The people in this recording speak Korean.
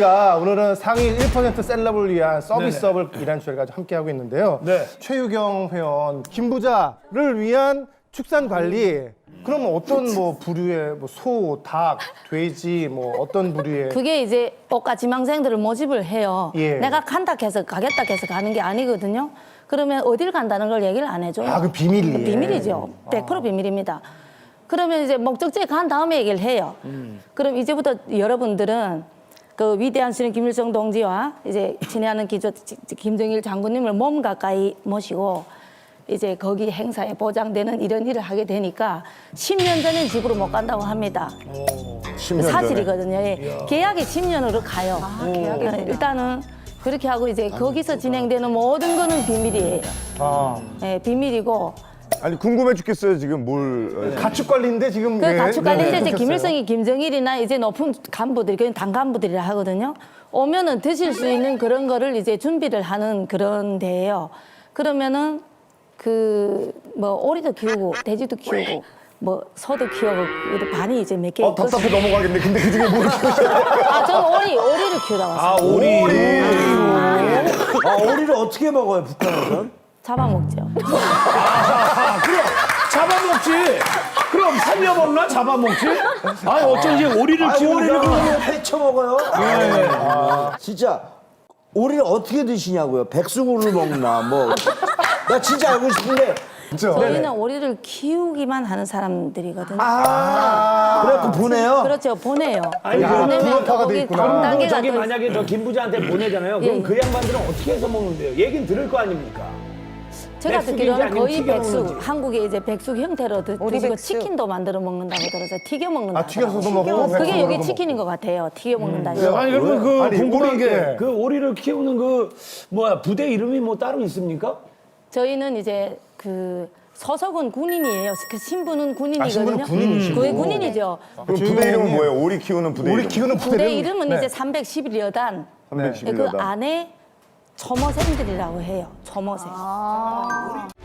오늘은 상위 1% 셀럽을 위한 서비스업을 이란 주제를 가지고 함께하고 있는데요. 네. 최유경 회원, 김부자를 위한 축산 관리. 그러면 어떤 뭐 부류의 뭐 소, 닭, 돼지 뭐 어떤 부류의 그게 이제 옷가 지망생들을 모집을 해요. 예. 내가 간다 해서 가겠다 해서 가는 게 아니거든요. 그러면 어딜 간다는 걸 얘기를 안 해줘요. 아, 그 비밀이에요. 비밀이죠. 100% 비밀입니다. 그러면 이제 목적지에 간 다음에 얘기를 해요. 그럼 이제부터 여러분들은 그 위대한 수령 김일성 동지와 이제 친애하는 기조 김정일 장군님을 몸 가까이 모시고 이제 거기 행사에 보장되는 이런 일을 하게 되니까 10년 전엔 집으로 못 간다고 합니다. 10년 사실이거든요. 예. 계약이 10년으로 가요. 일단은 그렇게 하고 이제 거기서 진행되는 모든 거는 비밀이에요. 예, 비밀이고 아니 궁금해 죽겠어요 지금 뭘. 가축 관리인데 지금 그 가축 관리인데 이제 끊겼어요. 김일성이 김정일이나 이제 높은 간부들이 그냥 당 간부들이라 하거든요. 오면은 드실 수 있는 그런 거를 이제 준비를 하는 그런 데예요. 그러면은 그 뭐 오리도 키우고 돼지도 키우고 뭐 소도 키우고 반이 이제 몇 개. 답답해 넘어가겠네. 근데 그 중에 뭘 키우셔야 돼요? 아 저는 오리를 키우다 왔어요. 오리를 어떻게 먹어요, 북한에서는? 잡아먹죠. 그럼 잡아먹지. 그럼 살려먹나 잡아먹지? 아니 어쩐지 오리를 키우니까. 오리를 해쳐 먹어요? 진짜 오리를 어떻게 드시냐고요? 백숙으로 먹나 뭐. 나 진짜 알고 싶은데. 저희는 오리를 키우기만 하는 사람들이거든요. 그래갖고 보내요? 그렇죠, 보내요. 아니, 보내면 분업화가 돼 거기 있구나. 단계가 저기 또 만약에 저 김부자한테 보내잖아요. 그럼 예. 그 양반들은 어떻게 해서 먹는데요? 얘긴 들을 거 아닙니까? 제가 백숙인지 듣기로는 아니면 거의 튀겨 백숙, 먹는지. 한국에 이제 백숙 형태로 드시고 백숙. 치킨도 만들어 먹는다고 들어서 튀겨 먹는다. 아, 튀겨서도 먹고 그게 백숙으로도 여기 먹고. 치킨인 것 같아요. 튀겨 먹는다. 아니 그러면 그 아니, 궁금한 오리, 게 예. 그 오리를 키우는 그 뭐야 부대 이름이 뭐 따로 있습니까? 저희는 이제 그 소속은 군인이에요. 그 신분은 군인이거든요. 신분은 군인이시고. 그게 군인이죠. 그럼 부대 이름은 뭐예요? 오리 키우는 부대 우리 이름. 키우는 부대 이름은 이제 311여단. 311 그 여단. 안에 초모생들이라고 해요. 초모생.